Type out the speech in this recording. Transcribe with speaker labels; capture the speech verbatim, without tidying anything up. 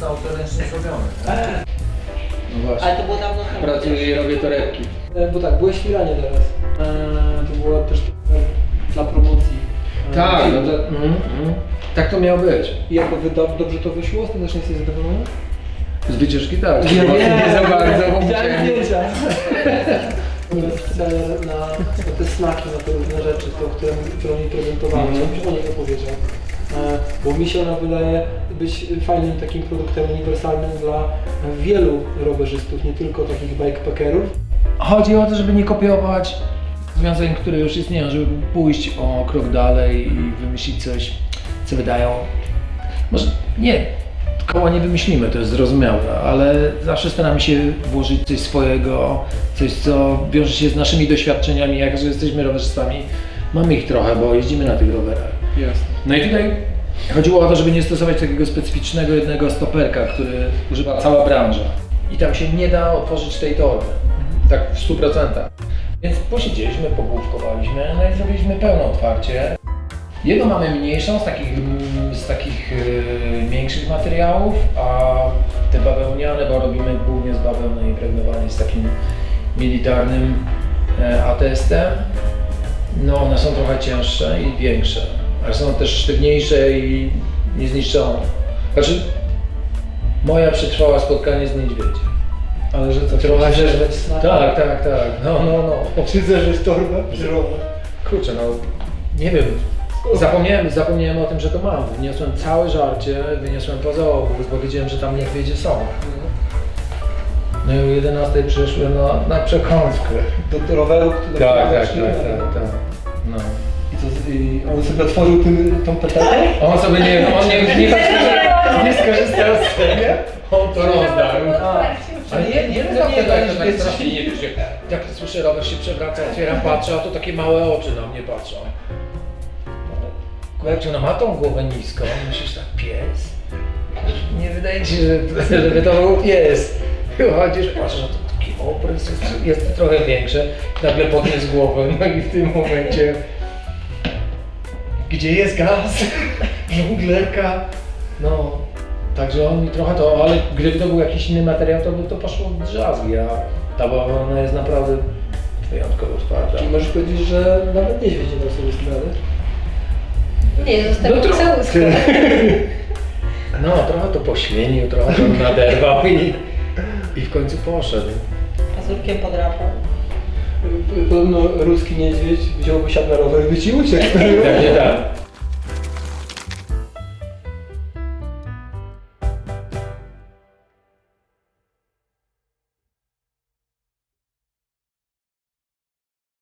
Speaker 1: jest autoręcznie zrobiony.
Speaker 2: No właśnie.
Speaker 3: Ale to było dawno temu.
Speaker 2: Pracuję i robię torebki.
Speaker 4: E, Bo tak, byłeś w Iranie teraz. E, To było też dla promocji. E,
Speaker 2: Tak,
Speaker 4: filmu.
Speaker 2: no to, mm, mm. Tak to miało być.
Speaker 4: I jako wyda- dobrze to wyszło? Ostatecznie jesteś zadowolony?
Speaker 2: Z wycieczki tak.
Speaker 4: Nie,
Speaker 2: Bo
Speaker 4: nie,
Speaker 2: nie za bardzo, bo
Speaker 4: widziałem
Speaker 2: musiałem...
Speaker 4: zdjęcia. Nie specjalnie na, na te snaki, na te różne rzeczy, to, które, które mi prezentowałem,
Speaker 2: Mhm.
Speaker 4: żebyś o niej opowiedział. E, Bo mi się ona wydaje być fajnym takim produktem uniwersalnym dla wielu rowerzystów, nie tylko takich bikepackerów.
Speaker 2: Chodzi o to, żeby nie kopiować rozwiązań, które już istnieją, żeby pójść o krok dalej i wymyślić coś, co wydają... Może nie, koła nie wymyślimy, to jest zrozumiałe, ale zawsze staramy się włożyć coś swojego, coś, co wiąże się z naszymi doświadczeniami, jak że jesteśmy rowerzystami. Mamy ich trochę, bo jeździmy na tych rowerach.
Speaker 4: Jasne.
Speaker 2: No i tutaj chodziło o to, żeby nie stosować takiego specyficznego jednego stoperka, który używa cała branża. I tam się nie da otworzyć tej torby, tak w stu procentach. Więc posiedzieliśmy, pogłówkowaliśmy, no i zrobiliśmy pełne otwarcie. Jedną mamy mniejszą, z takich, mm, z takich yy, większych materiałów, a te bawełniane, bo robimy głównie z bawełny impregnowanej z takim militarnym e, atestem. No one są trochę cięższe i większe, ale są też sztywniejsze i niezniszczone. Znaczy, moja przetrwała spotkanie z niedźwiedziem.
Speaker 4: Ale że co,
Speaker 2: Trochę
Speaker 4: chcesz
Speaker 2: się...
Speaker 4: zeżreć snaki?
Speaker 2: Tak, tak, tak, no, no, no.
Speaker 4: Czy zeżreć torbę? Czy rower?
Speaker 2: Kurczę, no, nie wiem. Zapomniałem, zapomniałem o tym, że to mam. Wyniosłem całe żarcie, wyniosłem poza obóz, bo wiedziałem, że tam niedźwiedzie są. No i o jedenastej przyszłem na, na przekąskę.
Speaker 4: Do, do roweru, który
Speaker 2: Tak, tak,
Speaker 4: doprowadził,
Speaker 2: tak,
Speaker 4: ale-
Speaker 2: tak, tak. No.
Speaker 4: I, co, I on sobie otworzył tym, tą petardę?
Speaker 2: On sobie nie, on nie, nie, nie, nie skorzystał z tego, on to rozdarł. Ale nie, nie
Speaker 4: No
Speaker 2: znam
Speaker 4: nie,
Speaker 2: tego,
Speaker 4: no
Speaker 2: jak to
Speaker 4: nie,
Speaker 2: tak
Speaker 4: nie,
Speaker 2: strasznie nie wiesz, jak słyszę, rower się przewraca, otwieram, patrzę, a to takie małe oczy na mnie patrzą. Kurczę, no ma tą głowę niską, myślisz tak, pies? Nie wydaje ci się, że, żeby to był pies. Chodzisz, patrzysz, że to taki obrys jest, jest trochę większy, nagle podniósł głowę, no i w tym momencie... Gdzie jest gaz? Żonglerka? No, także on mi trochę to, ale gdyby to był jakiś inny materiał, to by to poszło w drzazgi, a ta bawełna jest naprawdę wyjątkowo twarda.
Speaker 4: Czyli możesz powiedzieć, że nawet niedźwiedź nie dał sobie z tym rady?
Speaker 3: Nie, zostawił
Speaker 2: No
Speaker 3: no,
Speaker 2: trochę.
Speaker 3: całuskę.
Speaker 2: No, trochę to poświenił, trochę to naderwał i, i w końcu poszedł.
Speaker 3: Pazurkiem podrapał.
Speaker 4: Podobno ruski niedźwiedź wziąłby siadł na rower i by ci uciekł.
Speaker 2: Pewnie tak.